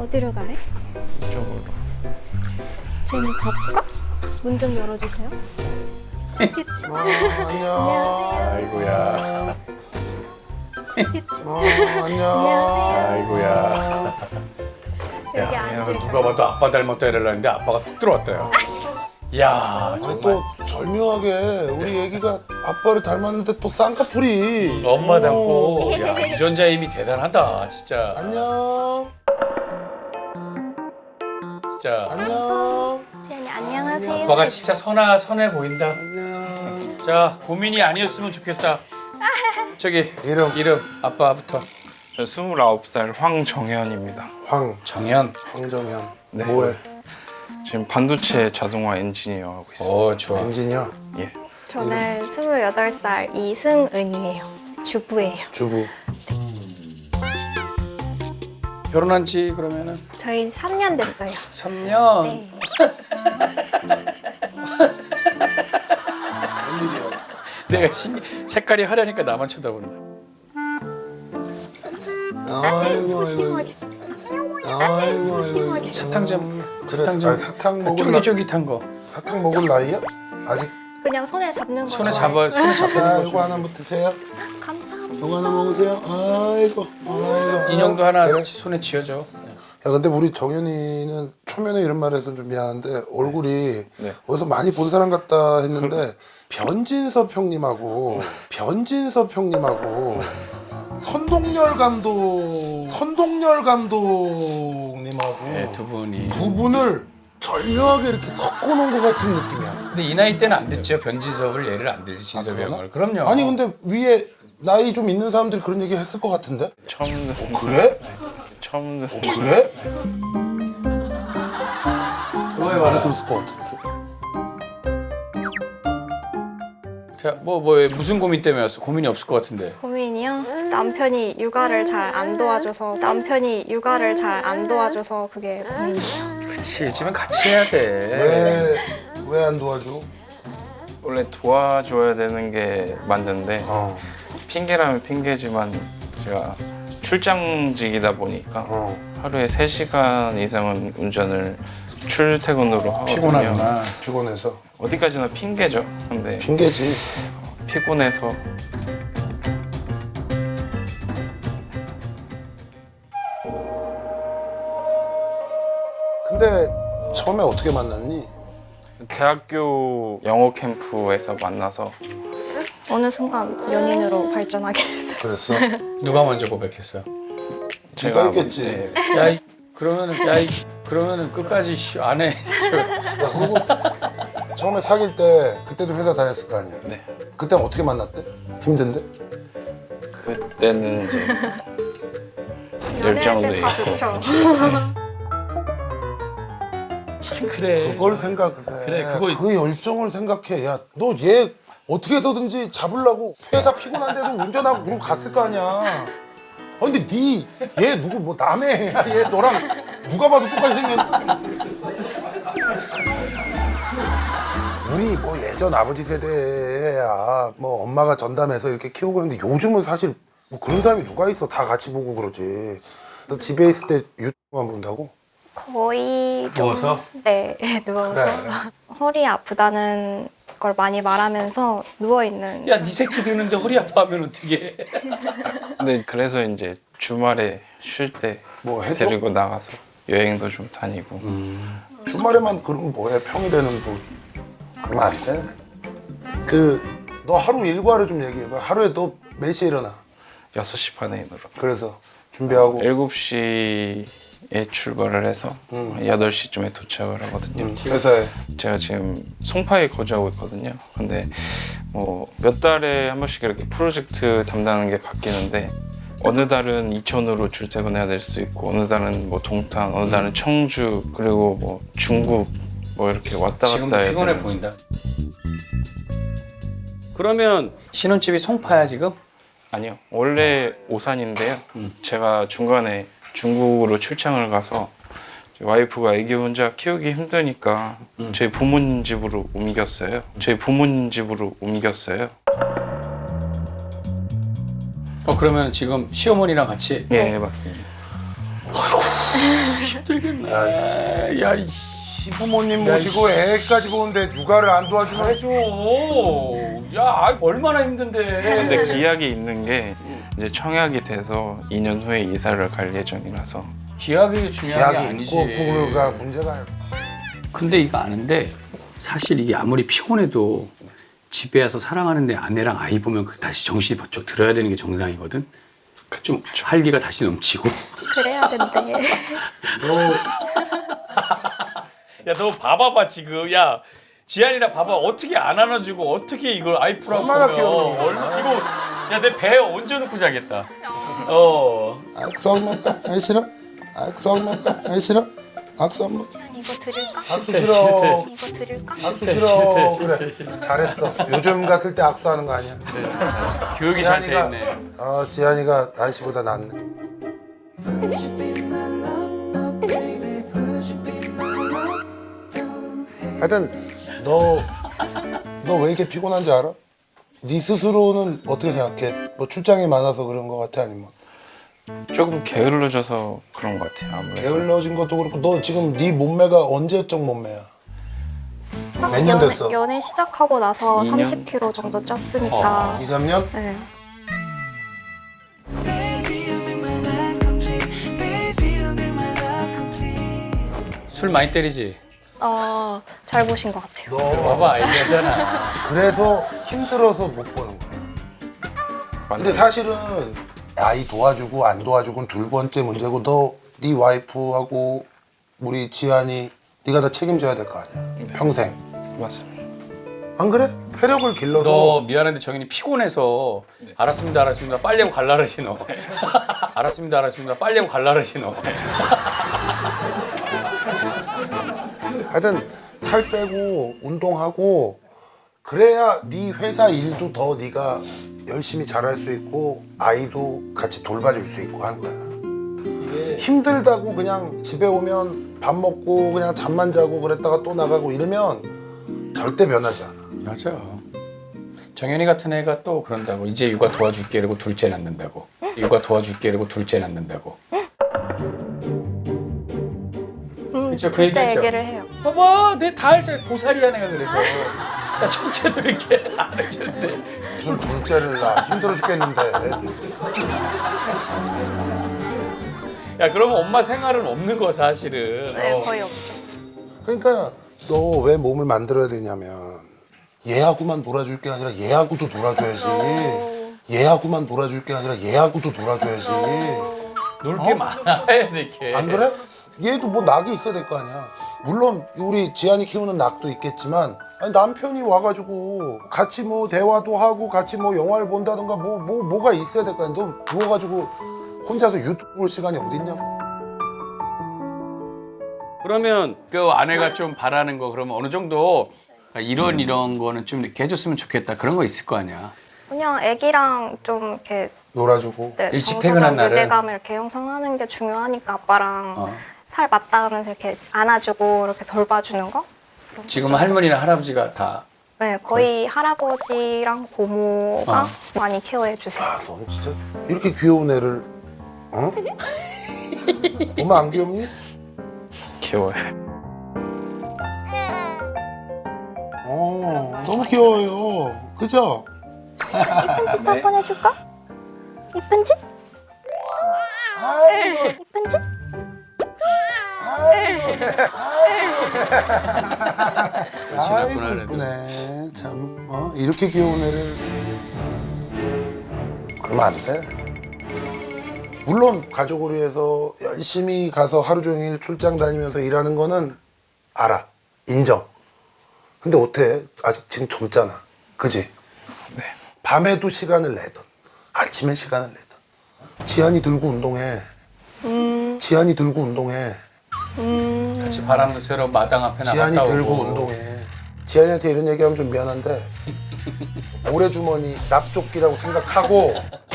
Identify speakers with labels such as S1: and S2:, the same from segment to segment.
S1: 어디로 가래?
S2: 이쪽으로.
S1: 지금 가볼까? 문 좀 열어주세요.
S3: 안녕.
S2: 아이고야.
S3: 안녕.
S2: 아이고야.
S1: 여기
S2: 야,
S1: 앉을까?
S2: 누가 봐도 아빠 닮았다 이러려는데 아빠가 툭 들어왔다요. 이야,
S3: 아니,
S2: 정말.
S3: 또 절묘하게 우리 애기가 아빠를 닮았는데 또 쌍꺼풀이.
S2: 엄마 닮고. 야, 유전자 힘이 대단하다, 진짜.
S3: 안녕.
S2: 진짜.
S3: 안녕.
S1: 지연이 안녕하세요.
S2: 아빠가 진짜 선해 보인다.
S3: 안녕.
S2: 자, 고민이 아니었으면 좋겠다. 저기 이름 아빠부터.
S4: 저 29살 황정현입니다.
S2: 정현.
S3: 황정현.
S4: 네.
S3: 뭐해?
S4: 지금 반도체 자동화 엔지니어 하고 있어요.
S2: 오, 좋아.
S3: 엔지니어.
S4: 예.
S1: 저는 28살 이승은이에요. 주부예요.
S3: 주부.
S2: 결혼한 지 그러면은
S1: 저희 3년 됐어요.
S2: 3년.
S1: 네.
S2: 내가 색깔이 화려하니까 나만 쳐다본다.
S3: 아이고
S1: 소심하게.
S3: 아이고.
S1: 소심하게.
S2: 사탕 좀.
S3: 그래.
S2: 사탕 좀.
S3: 사탕 먹을 나.
S2: 쫄깃쫄깃한 거.
S3: 사탕 먹을 나이야? 아직.
S1: 그냥 손에 잡는 거.
S2: 손에
S1: 좋아해요.
S2: 잡는
S3: 자,
S2: 거.
S3: 이거 하나만 드세요.
S1: 감사합니다.
S3: 이거 하나 먹으세요. 아이고.
S2: 인형도 하나
S3: 그래?
S2: 손에 쥐어줘.
S3: 야, 근데 우리 정현이는 초면에 이런 말 해서 좀 미안한데 얼굴이
S4: 네.
S3: 어디서 많이 본 사람 같다 했는데 변진섭 형님하고 선동열 감독님하고
S2: 네, 두 분이.
S3: 두 분을 절묘하게 이렇게 섞어놓은 것 같은 느낌이야.
S2: 근데 이 나이 때는 안 듣죠. 변진섭을 예를 안 들지. 진섭이
S3: 그러나?
S2: 형을. 그럼요.
S3: 아니 근데 위에 나이 좀 있는 사람들이 그런 얘기 했을 것 같은데?
S4: 처음 듣습니다.
S3: 그래?
S4: 처음 듣습니다.
S3: 그래?
S2: 왜
S3: 많이 들었을 것 같은데.
S2: 자, 무슨 고민 때문에 왔어? 고민이 없을 것 같은데.
S1: 고민이요? 남편이 육아를 잘 안 도와줘서 그게 고민이에요.
S2: 그치, 집은 같이 해야 돼.
S3: 왜 안 도와줘?
S4: 원래 도와줘야 되는 게 맞는데 핑계라면 핑계지만 제가 출장직이다 보니까 하루에 3시간 이상은 운전을 출퇴근으로 하거든요.
S2: 피곤하구나.
S3: 피곤해서.
S4: 어디까지나 핑계죠. 근데
S3: 핑계지.
S4: 피곤해서
S3: 근데 처음에 어떻게 만났니?
S4: 대학교 영어 캠프에서 만나서
S1: 어느 순간 연인으로 발전하게 됐어요.
S3: 그랬어?
S2: 누가 먼저 고백했어?
S3: 제가 했겠지.
S4: 네.
S2: 그러면은 끝까지 안 해.
S3: 야, 그리고 처음에 사귈 때 그때도 회사 다녔을 거 아니야?
S4: 네.
S3: 그때 어떻게 만났대? 힘든데?
S4: 그때는 이제 열정도 있고
S1: 그렇죠.
S2: 그래.
S3: 그걸 생각을 해.
S2: 그래,
S3: 그 열정을 생각해. 야, 너 얘 어떻게 해서든지 잡으려고 회사 피곤한데도 운전하고 그러고 갔을 거 아니야. 근데 얘 누구 뭐 남의 애야. 얘 너랑 누가 봐도 똑같이 생겼. 우리 뭐 예전 아버지 세대야 뭐 엄마가 전담해서 이렇게 키우고 그러는데 요즘은 사실 뭐 그런 사람이 누가 있어. 다 같이 보고 그러지. 너 집에 있을 때 유튜브만 본다고?
S1: 거의 좀
S2: 누워서?
S1: 네, 누워서
S3: 그래.
S1: 허리 아프다는 걸 많이 말하면서 누워 있는.
S2: 야, 네 새끼 드는데 허리 아파하면 어떡해.
S4: 근데 그래서 이제 주말에 쉴 때
S3: 뭐 해줘?
S4: 데리고 나가서 여행도 좀 다니고
S3: 주말에만 그러면 뭐해? 평일에는 뭐 그러면 안 돼. 너 하루 일과를 좀 얘기해봐. 하루에 너 몇 시에 일어나?
S4: 6시 반에 일어나
S3: 그래서 준비하고
S4: 7시에 출발을 해서 8시쯤에 도착을 하거든요.
S3: 회사에
S4: 제가 지금 송파에 거주하고 있거든요. 근데 뭐 몇 달에 한 번씩 이렇게 프로젝트 담당하는 게 바뀌는데 어느 달은 이천으로 출퇴근해야 될 수 있고 어느 달은 뭐 동탄, 어느 달은 청주 그리고 뭐 중국 뭐 이렇게 왔다
S2: 지금도
S4: 갔다 해야
S2: 피곤해
S4: 되는
S2: 보인다. 그러면 신혼집이 송파야 지금?
S4: 아니요. 원래 오산인데요. 제가 중간에 중국으로 출장을 가서 와이프가 아기 혼자 키우기 힘드니까 저희 부모님 집으로 옮겼어요.
S2: 그러면 지금 시어머니랑 같이?
S4: 예, 맞습니다.
S2: 힘들겠네. 야, 이
S3: 시부모님 모시고 애까지 보는데 육아를 안 도와주면
S2: 해줘. 야, 얼마나 힘든데.
S4: 근데 기약이 있는 게 이제 청약이 돼서 2년 후에 이사를 갈 예정이라서.
S2: 기약이 중요한 게
S3: 계약이
S2: 아니지.
S3: 있고 없고가 문제가 아니야.
S5: 근데 이거 아는데 사실 이게 아무리 피곤해도 집에 와서 사랑하는데 아내랑 아이 보면 다시 정신이 번쩍 들어야 되는 게 정상이거든. 좀 활기가 다시 넘치고.
S1: 그래야 된대.
S2: 야, 너 봐봐봐 지금. 야, 지한이나 봐봐. 어떻게 안 안아주고 어떻게 이걸 아이프라고
S3: 얼마나
S2: 보면.
S3: 귀여워.
S2: 이거 야, 내 배에 얹어놓고 자겠다.
S3: 악수 한 번 까? 안 싫어? 악수 한 번 까? 안 싫어? 악수 한 번.
S1: 이거 드릴까?
S3: 악수 싫어.
S1: 이거 드릴까?
S3: 악수 싫어. 그래. 잘했어. 요즘 같을 때 악수하는 거 아니야.
S2: 교육이 잘 돼
S3: 지한이가
S2: 있네.
S3: 지한이가 아저씨보다 낫네. 하여튼 너 왜 이렇게 피곤한지 알아? 네 스스로는 어떻게 생각해? 뭐 출장이 많아서 그런 거 같아? 아니면
S4: 조금 게을러져서 그런 것 같아요. 아무래도.
S3: 게을러진 것도 그렇고 너 지금 네 몸매가 언제적 몸매야? 몇 년 됐어?
S1: 연애 시작하고 나서
S4: 2년?
S1: 30kg 정도 쪘으니까.
S3: 2, 3년?
S1: 네.
S2: 술 많이 때리지?
S1: 잘 보신 것 같아요.
S3: 너
S2: 봐봐, 얘기하잖아.
S3: 그래서 힘들어서 못 보는 거야. 근데 사실은 아이 도와주고 안 도와주고는 둘 번째 문제고 너 네 와이프하고 우리 지한이 네가 다 책임져야 될 거 아니야. 평생.
S4: 맞습니다.
S3: 안 그래? 폐력을 길러서
S2: 너 미안한데 정인이 피곤해서 알았습니다, 알았습니다. 빨리 하고 갈라르지 너. 알았습니다, 알았습니다. 빨리 하고 갈라르지 너.
S3: 하여튼 살 빼고 운동하고 그래야 네 회사 일도 더 네가 열심히 잘할 수 있고 아이도 같이 돌봐줄 수 있고 하는 거야. 힘들다고 그냥 집에 오면 밥 먹고 그냥 잠만 자고 그랬다가 또 나가고 이러면 절대 변하지 않아.
S2: 맞아. 정현이 같은 애가 또 그런다고. 이제 육아 도와줄게 이러고 둘째 낳는다고. 육아 도와줄게 이러고 둘째 낳는다고. 그쵸, 그
S1: 진짜
S2: 얘기했죠.
S1: 얘기를 해요.
S2: 봐봐, 내 다 알잖아. 보살이야 내가 그래서. 야, 첫째도 이렇게 안 해주는데.
S3: 무슨 둘째를 낳아 힘들어 죽겠는데.
S2: 야, 그러면 엄마 생활은 없는 거 사실은.
S1: 네, 거의 없죠.
S3: 그러니까 너 왜 몸을 만들어야 되냐면 얘하고만 놀아줄 게 아니라 얘하고도 놀아줘야지. 얘하고만 놀아줄 게 아니라 얘하고도 놀아줘야지.
S2: 놀 게 많아 해야 돼 이렇게.
S3: 안 그래? 얘도 뭐 낙이 있어야 될 거 아니야. 물론 우리 지한이 키우는 낙도 있겠지만 아니, 남편이 와가지고 같이 뭐 대화도 하고 같이 뭐 영화를 본다든가 뭐가 있어야 될 거 아니야. 너 누워가지고 혼자서 유튜브 볼 시간이 어딨냐고.
S2: 그러면 그 아내가 좀 바라는 거 그러면 어느 정도 이런 거는 좀 이렇게 해줬으면 좋겠다 그런 거 있을 거 아니야.
S1: 그냥 애기랑 좀 이렇게
S3: 놀아주고.
S1: 네,
S2: 일찍
S1: 정서적
S2: 퇴근한 날은?
S1: 유대감을 이렇게 형성하는 게 중요하니까 아빠랑 살 맞다 하면서 이렇게 안아주고 이렇게 돌봐주는 거?
S2: 지금은 할머니나 할아버지가 다.
S1: 네, 거의 할아버지랑 고모가
S2: 어.
S1: 많이 케어해 주세요.
S3: 아, 넌 진짜 이렇게 귀여운 애를 어? 엄마 안 귀엽니?
S4: 귀여워요.
S3: 너무 귀여워요. 그죠?
S1: 이쁜 짓 한번 해줄까? 이쁜 짓?
S3: 아이고,
S1: 이쁜 짓?
S3: 아이고
S2: 그래도.
S3: 이쁘네. 참 이렇게 귀여운 애를 그러면 안 돼. 물론 가족을 위해서 열심히 가서 하루 종일 출장 다니면서 일하는 거는 알아. 인정. 근데 어때? 아직 지금 젊잖아. 그지?
S4: 네.
S3: 밤에도 시간을 내던 아침에 시간을 내던 지한이 들고 운동해. 지한이 들고 운동해.
S2: 같이 바람도 쐬러 마당 앞에
S3: 지한이
S2: 나갔다
S3: 들고
S2: 오고.
S3: 운동해. 지한이한테 이런 얘기하면 좀 미안한데 모래주머니 납조끼라고 생각하고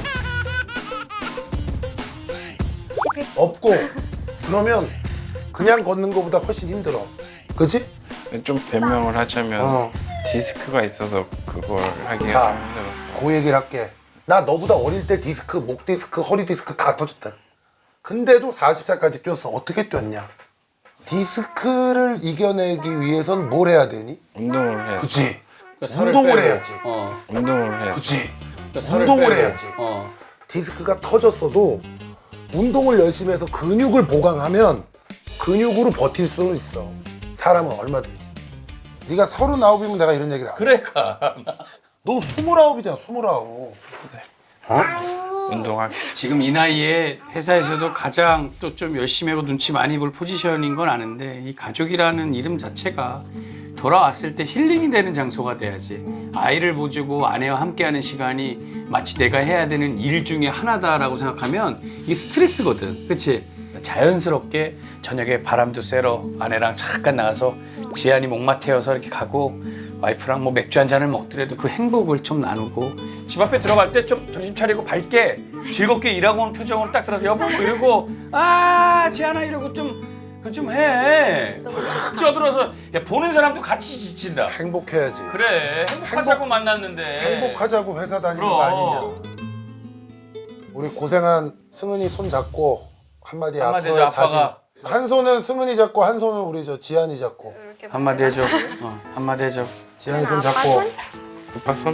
S1: 11.
S3: 없고 그러면 그냥 걷는 것보다 훨씬 힘들어. 그치?
S4: 좀 변명을 하자면
S3: 어.
S4: 디스크가 있어서 그걸 하기가
S3: 자,
S4: 좀 힘들어서.
S3: 그 얘기를 할게. 나 너보다 어릴 때 디스크, 목 디스크, 허리 디스크 다 터졌다. 근데도 40살까지 뛰었어. 어떻게 뛰었냐? 디스크를 이겨내기 위해선 뭘 해야 되니?
S4: 운동을 해야지.
S3: 그치?
S2: 그러니까 살을
S3: 운동을
S2: 빼고.
S3: 해야지.
S4: 운동을 해야지.
S3: 그치?
S2: 그러니까 살을
S3: 운동을
S2: 빼고.
S3: 해야지. 디스크가 터졌어도 운동을 열심히 해서 근육을 보강하면 근육으로 버틸 수는 있어. 사람은 얼마든지. 네가 39이면 내가 이런 얘기를 안 해.
S2: 그러니까
S3: 너 29이잖아, 29.
S4: 운동하겠습니다.
S5: 지금 이 나이에 회사에서도 가장 또 좀 열심히 하고 눈치 많이 볼 포지션인 건 아는데 이 가족이라는 이름 자체가 돌아왔을 때 힐링이 되는 장소가 돼야지. 아이를 보주고 아내와 함께하는 시간이 마치 내가 해야 되는 일 중에 하나다라고 생각하면 이게 스트레스거든. 그렇지? 자연스럽게 저녁에 바람도 쐬러 아내랑 잠깐 나가서 지안이 목마 태워서 이렇게 가고 와이프랑 뭐 맥주 한 잔을 먹더라도 그 행복을 좀 나누고 집 앞에 들어갈 때 좀 정신 차리고 밝게 즐겁게 일하고 오는 표정으로 딱 들어서 여보 이러고 아 지안아 이러고 좀 해. 쪄들어서 야 보는 사람도 같이 지친다.
S3: 행복해야지.
S2: 그래 행복하자고 만났는데
S3: 행복하자고 회사 다니는 거
S2: 그럼.
S3: 아니냐. 우리 고생한 승은이 손 잡고 한마디
S2: 한마디
S3: 앞으로의
S2: 해줘, 아빠가.
S3: 다짐. 한 손은 승은이 잡고 한 손은 우리 저 지안이 잡고.
S1: 이렇게
S5: 한마디 해줘. 한마디 해줘.
S3: 지안이 손
S1: 아빠
S3: 잡고.
S1: 손?
S4: 오빠 손?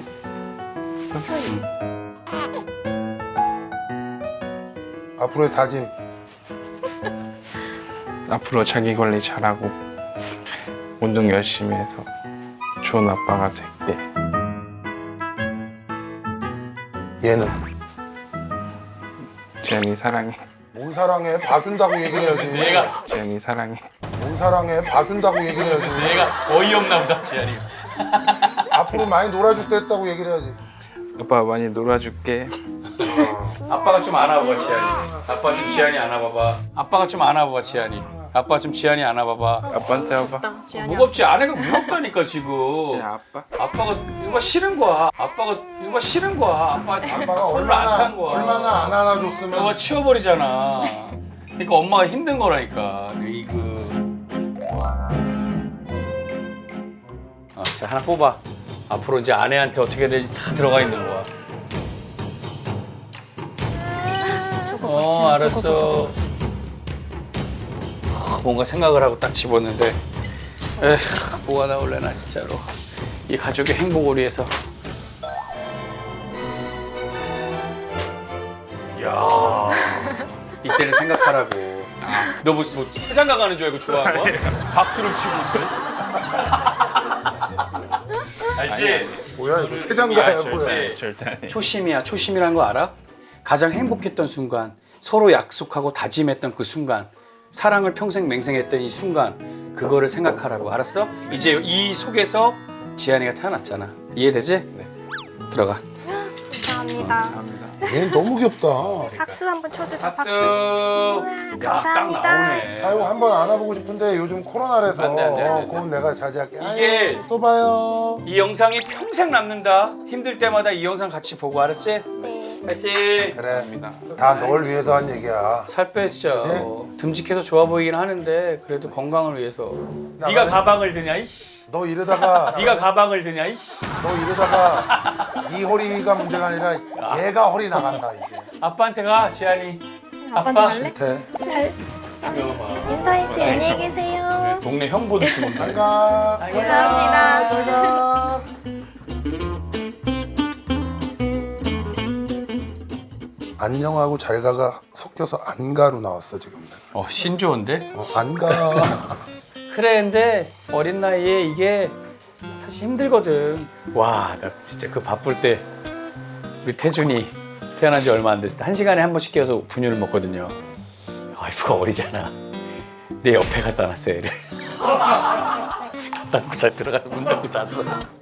S3: 앞으로의 다짐.
S4: 앞으로 자기 관리 잘하고 운동 열심히 해서 좋은 아빠가 될게.
S3: 얘는
S4: 지안이 사랑해.
S3: 뭔 사랑해? 봐준다고 얘기를 해야지.
S2: 내가
S4: 지안이 사랑해.
S3: 뭔 사랑해? 봐준다고 얘기를 해야지.
S2: 내가 어이없나 보다 지안이.
S3: 앞으로 많이 놀아줄 때 했다고 얘기를 해야지.
S4: 아빠 많이 놀아줄게.
S2: 아빠가 좀 안아봐봐 지안이. 아빠 좀 지안이 안아봐봐. 아빠가 좀 안아봐봐 지안이. 아빠 좀 지안이 안아봐봐.
S4: 아빠한테 와봐.
S2: 무겁지? 아내가 무겁다니까 지금.
S4: 지안 아빠.
S2: 아빠가 이거 싫은 거야. 아빠가 이거 싫은 거야. 아빠
S3: 아빠가
S2: 손을 안탄 거야.
S3: 얼마나 안 안아줬으면.
S2: 너가 치워버리잖아. 그러니까 엄마가 힘든 거라니까. 자 하나 뽑아. 앞으로 이제 아내한테 어떻게 될지 다 들어가 있는 거야. 알았어. 뭔가 생각을 하고 딱 집었는데, 뭐가 나올래나 진짜로. 이 가족의 행복을 위해서. 야, 이때를 생각하라고. 너 뭐 세장가 가는 줄 알고 좋아한 거야? 박수를 치고 있어. 알지?
S3: 뭐야 이거 세장가야
S2: 알지,
S3: 뭐야.
S2: 알지.
S4: 절대 안 해.
S5: 초심이야. 초심이란 거 알아? 가장 행복했던 순간, 서로 약속하고 다짐했던 그 순간, 사랑을 평생 맹생했던 이 순간, 그거를 생각하라고. 알았어? 이제 이 속에서 지안이가 태어났잖아. 이해되지? 네. 들어가.
S1: 감사합니다.
S3: 얘는 너무 귀엽다.
S1: 박수 한번 쳐주죠.
S2: 박수.
S1: 박수.
S2: 야, 딱
S1: 감사합니다.
S2: 나오네.
S3: 아이고 한번 안아보고 싶은데 요즘 코로나라서
S2: 안 돼, 안 돼, 안 돼.
S3: 그건 내가 자제할게.
S2: 이게-
S3: 아이고, 또 봐요.
S2: 이 영상이 평생 남는다. 힘들 때마다 이 영상 같이 보고 알았지?
S1: 네.
S2: 파이팅.
S3: 그래. 다 널 위해서 한 얘기야.
S2: 살 빼 진짜.
S3: 그치?
S2: 듬직해서 좋아 보이긴 하는데 그래도 건강을 위해서.
S3: 나가네.
S2: 네가 가방을 드냐? 이씨.
S3: 너 이러다가
S2: 네가 가방을 드냐? 이씨.
S3: 너 이러다가 네 허리가 문제가 아니라 얘가 허리 나간다 이제.
S2: 아빠한테 가, 지안이.
S1: 아빠한테
S2: 아빠.
S1: 갈래?
S3: 밑에.
S1: 잘 인사해줘. 안녕히 계세요.
S2: 동네 형 보듯이 먹네.
S3: 잘가.
S1: 감사합니다.
S3: 잘가. 안녕하고 잘가가 섞여서 안가로 나왔어 지금.
S2: 신조어인데?
S3: 안가.
S2: 그래, 근데 어린 나이에 이게 사실 힘들거든. 와, 나 진짜 그 바쁠 때 우리 태준이 태어난 지 얼마 안 됐을 때 1시간에 한 번씩 깨워서 분유를 먹거든요. 와이프가 어리잖아. 내 옆에 갖다 놨어, 얘를. 갖다 놓고 잘 들어가서 문 닫고 잤어.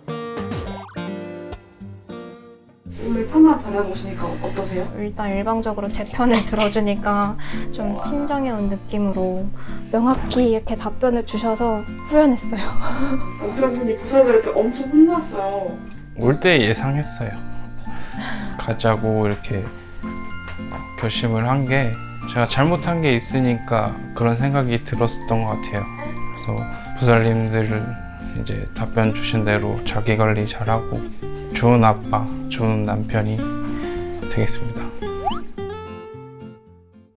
S6: 오늘 상담 받아보시니까 어떠세요?
S1: 일단 일방적으로 제 편을 들어주니까 좀 친정에 온 느낌으로 명확히 이렇게 답변을 주셔서 후련했어요.
S6: 남편분이 부서질 때 엄청 혼났어요.
S4: 올 때 예상했어요. 가자고 이렇게 결심을 한 게 제가 잘못한 게 있으니까 그런 생각이 들었었던 것 같아요. 그래서 부살님들 이제 답변 주신 대로 자기 관리 잘하고 좋은 아빠, 좋은 남편이 되겠습니다.